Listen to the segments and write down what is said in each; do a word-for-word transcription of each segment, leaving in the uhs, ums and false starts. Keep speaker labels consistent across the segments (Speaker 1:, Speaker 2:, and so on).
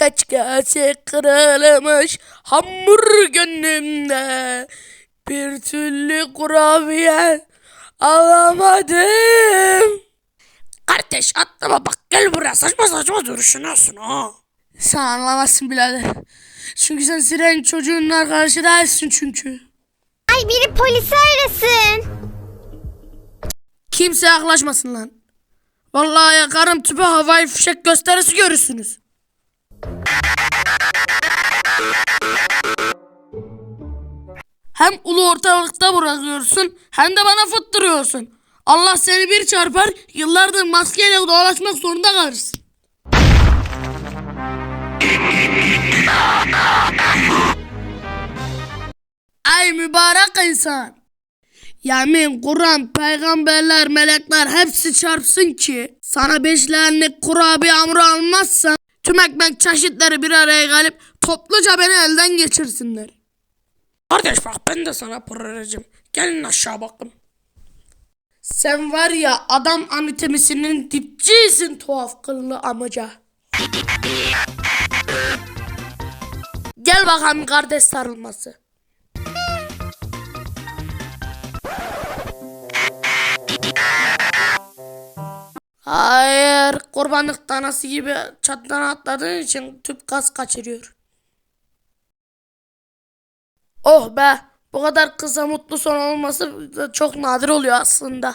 Speaker 1: kaç kase kırılmış hamur gönlümde. Bir türlü kurabiye alamadım.
Speaker 2: Kardeş atlama bak, gel buraya, saçma saçma düşünüyorsun ha.
Speaker 1: Sen anlamazsın birader. Çünkü sen Siren çocuğunun arkadaşı değilsin çünkü.
Speaker 3: Ay biri polisi arasın.
Speaker 1: Kimse yaklaşmasın lan. Vallahi yakarım tüpe, havai fişek gösterisi görürsünüz. Hem ulu ortalıkta bırakıyorsun hem de bana fıttırıyorsun. Allah seni bir çarpar, yıllardır maskeyle dolaşmak zorunda kalırsın. Ay mübarek insan. Yemin, Kur'an, peygamberler, melekler hepsi çarpsın ki sana beş lanet kurabiye hamuru almazsan tüm ekmek çeşitleri bir araya gelip topluca beni elden geçirsinler.
Speaker 2: Kardeş bak, ben de sana pırıracağım. Gelin aşağı bakın.
Speaker 1: Sen var ya adam anatomisinin dipçisin tuhaf kıllı amca. Gel bakalım kardeş sarılması. Hayır, kurbanlık tanesi gibi çattan atladığın için tüp gaz kaçırıyor. Oh be, bu kadar kısa mutlu son olması da çok nadir oluyor aslında.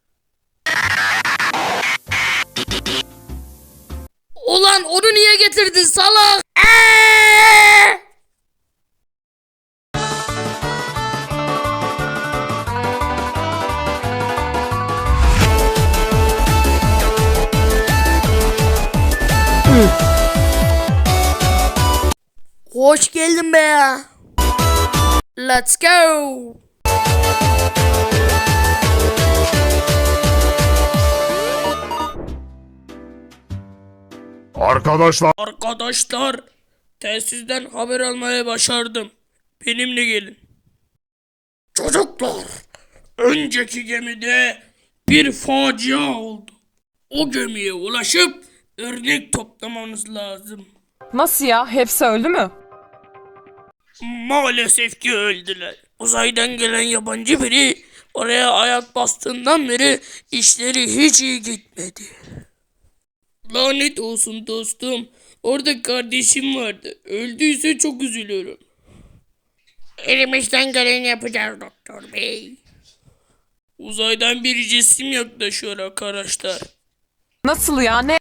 Speaker 1: Ulan onu niye getirdin salak? Eee! Hoş geldin be ya. Let's go.
Speaker 4: Arkadaşlar,
Speaker 2: Arkadaşlar, telsizden haber almaya başardım. Benimle gelin. Çocuklar, önceki gemide bir facia oldu. O gemiye ulaşıp örnek toplamanız lazım.
Speaker 5: Nasıl ya? Hepsi öldü mü?
Speaker 2: Maalesef ki öldüler. Uzaydan gelen yabancı biri oraya ayak bastığından beri işleri hiç iyi gitmedi. Lanet olsun dostum. Orada kardeşim vardı. Öldüyse çok üzülüyorum. Elimizden geleni yapacağız doktor bey. Uzaydan bir cisim yaklaşıyor arkadaşlar.
Speaker 5: Nasıl ya? Ne?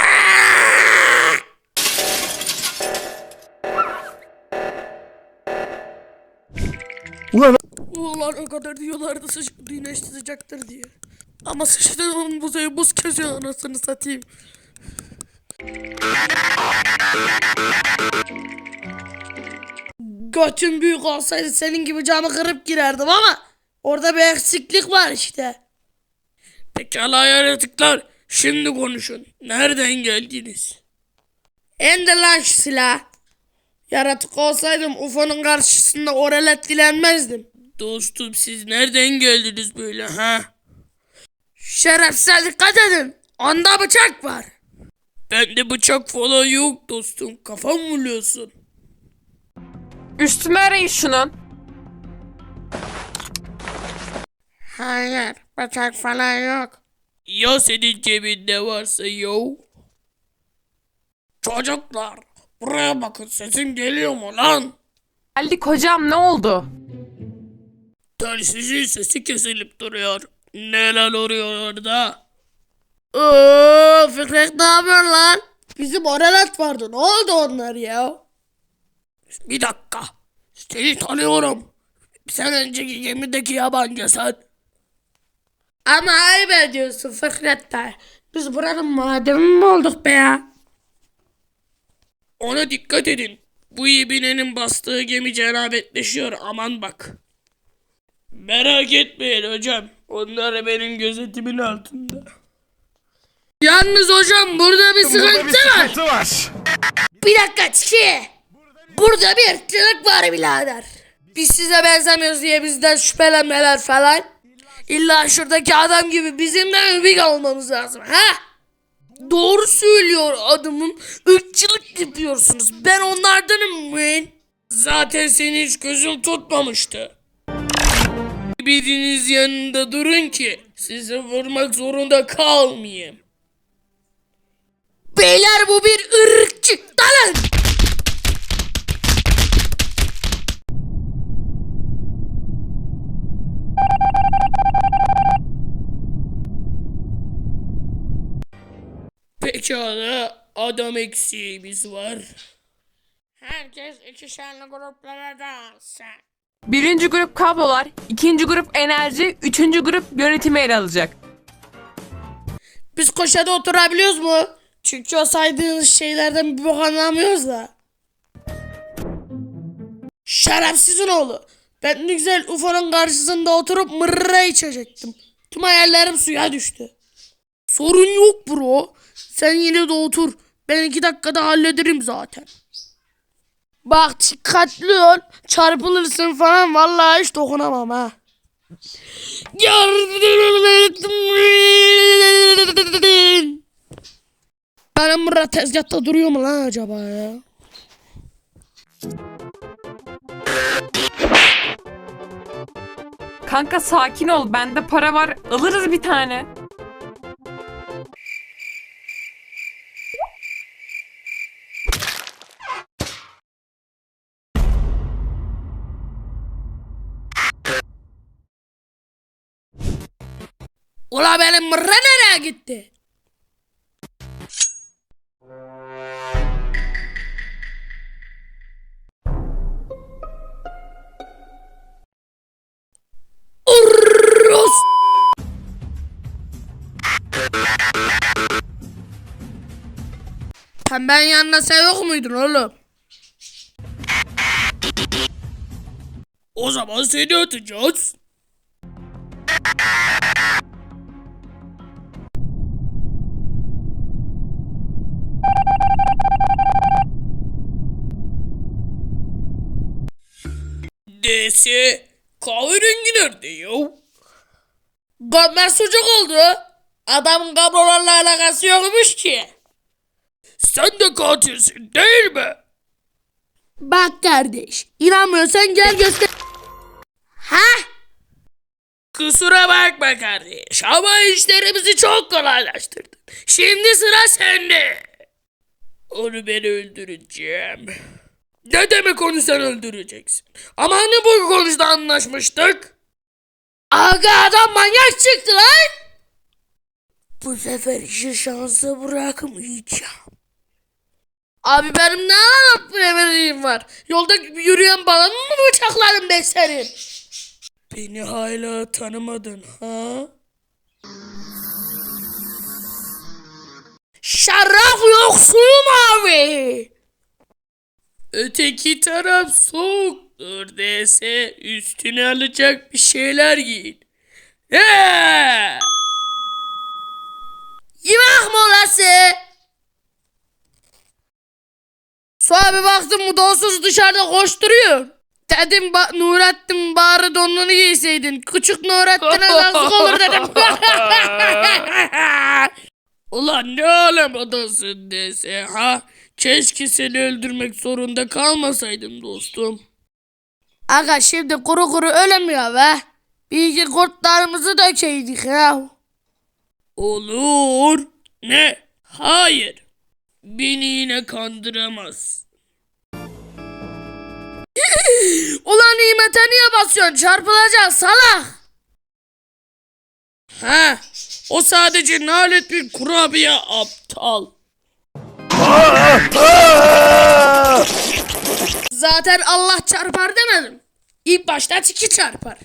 Speaker 4: ulan
Speaker 1: Ulan o kadar diyorlardı sıcak, güneş sıcaktır diye. Ama sıçtığım buzayı buz kesiyor anasını satayım. Götüm büyük olsaydı senin gibi camı kırıp girerdim ama orada bir eksiklik var işte.
Speaker 2: Pekala yaratıklar. Şimdi konuşun. Nereden geldiniz?
Speaker 1: İndir lan şu silah. Yaratık olsaydım U F O'nun karşısında oralet dilenmezdim.
Speaker 2: Dostum siz nereden geldiniz böyle ha?
Speaker 1: Şerefsize dikkat edin. Onda bıçak var.
Speaker 2: Bende bıçak falan yok dostum. Kafam vuruyorsun.
Speaker 5: Üstüme arayın şunun.
Speaker 1: Hayır, bıçak falan yok.
Speaker 2: Ya senin cebinde varsa yo? Çocuklar buraya bakın, sesim geliyor mu lan?
Speaker 5: Geldik hocam, ne oldu?
Speaker 2: Telsizin sesi kesilip duruyor. Neler oluyor orada?
Speaker 1: Oo, Fikret ne yapıyor lan? Bizim oralet vardı. Ne oldu onlar ya?
Speaker 2: Bir dakika. Seni tanıyorum. Sen önceki gemideki yabancı sen.
Speaker 1: Ama ayıp ediyorsun Fikret de. Biz buranın madeni mi olduk be ya?
Speaker 2: Ona dikkat edin. Bu ibinenin bastığı gemi cenabetleşiyor, aman bak. Merak etmeyin hocam. Onlar benim gözetimin altında.
Speaker 1: Yalnız hocam burada bir sıkıntı,
Speaker 4: burada bir sıkıntı
Speaker 1: var.
Speaker 4: var.
Speaker 1: Bir dakika çiki. Burada bir ırkçılık var birader. Biz size benzemiyoruz diye bizden şüphelenmeler falan. İlla şuradaki adam gibi bizim de övük olmamız lazım ha?
Speaker 2: Doğru söylüyor adamım. Irkçılık yapıyorsunuz. Ben onlardanım ben. Zaten seni hiç gözüm tutmamıştı. Biriniz yanında durun ki sizi vurmak zorunda kalmayayım. Beyler bu bir ırkçı. Dalın! Pekala, adam eksiğimiz var. Herkes ikişerli gruplara dağılsın.
Speaker 5: Birinci grup kablolar, ikinci grup enerji, üçüncü grup yönetimi ele alacak.
Speaker 1: Biz köşede oturabiliyoruz mu? Çünkü o saydığınız şeylerden bir bok anlamıyoruz da. Şerefsizin oğlu. Ben ne güzel U F O'nun karşısında oturup mırra içecektim. Tüm hayallerim suya düştü. Sorun yok bro. Sen yine de otur. Ben iki dakikada hallederim zaten. Bak dikkatli ol. Çarpılırsın falan vallahi hiç dokunamam ha. Benim mırra tezgahta duruyor mu lan acaba ya?
Speaker 5: Kanka sakin ol, bende para var, alırız bir tane.
Speaker 1: Ula benim mırra nereye gitti? Urrrros! Sen ben yanına sen yok muydun oğlum?
Speaker 2: O zaman seni atacağız. D S kahverengi nerede ya?
Speaker 1: Gömme sucuk oldu. Adamın kablolarla alakası yokmuş ki.
Speaker 2: Sen de katilsin değil mi?
Speaker 1: Bak kardeş, inanmıyorsan gel göster. Ha?
Speaker 2: Kusura bakma kardeş ama işlerimizi çok kolaylaştırdın. Şimdi sıra sende. Onu ben öldüreceğim. Ne demek onu sen öldüreceksin? Ama hani bu konuda anlaşmıştık?
Speaker 1: Aga adam manyak çıktı lan. Bu sefer işi şansa bırakmayacağım. Abi benim ne alıp vereyim var? Yolda yürüyen balonu mu bıçaklarım ben senin?
Speaker 2: Beni hala tanımadın ha?
Speaker 1: Şarap yoksulum abi.
Speaker 2: Öteki taraf soğuktur dese üstüne alacak bir şeyler giyin. He!
Speaker 1: Yemek molası. Sonra bir baktım bu donsuz dışarıda koşturuyor. Dedim ba Nurettin bari donunu giyseydin. Küçük Nurettin'e yazık olur dedim.
Speaker 2: Ulan ne alem adasın dese ha? Keşke seni öldürmek zorunda kalmasaydım dostum.
Speaker 1: Aga şimdi kuru kuru ölemiyor be. Bir iki kurtlarımızı dökeydik ya.
Speaker 2: Olur. Ne? Hayır. Beni yine kandıramaz.
Speaker 1: Ulan nimete niye basıyorsun? Çarpılacak salak.
Speaker 2: Ha? O sadece nalet bir kurabiye aptal.
Speaker 1: Zaten Allah çarpar demedim. İlk başta tiki çarpar.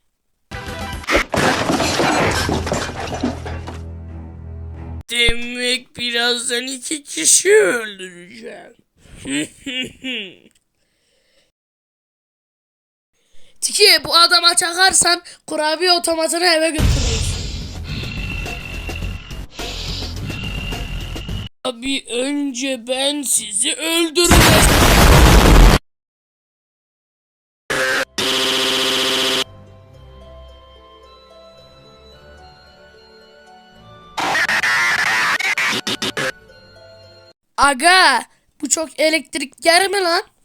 Speaker 2: Demek birazdan iki kişi öldüreceğim.
Speaker 1: Tiki bu adama çakarsan kurabiye otomatını eve götürürüz.
Speaker 2: Abi önce ben sizi öldüreceğim.
Speaker 1: Aga bu çok elektrik yer mi lan?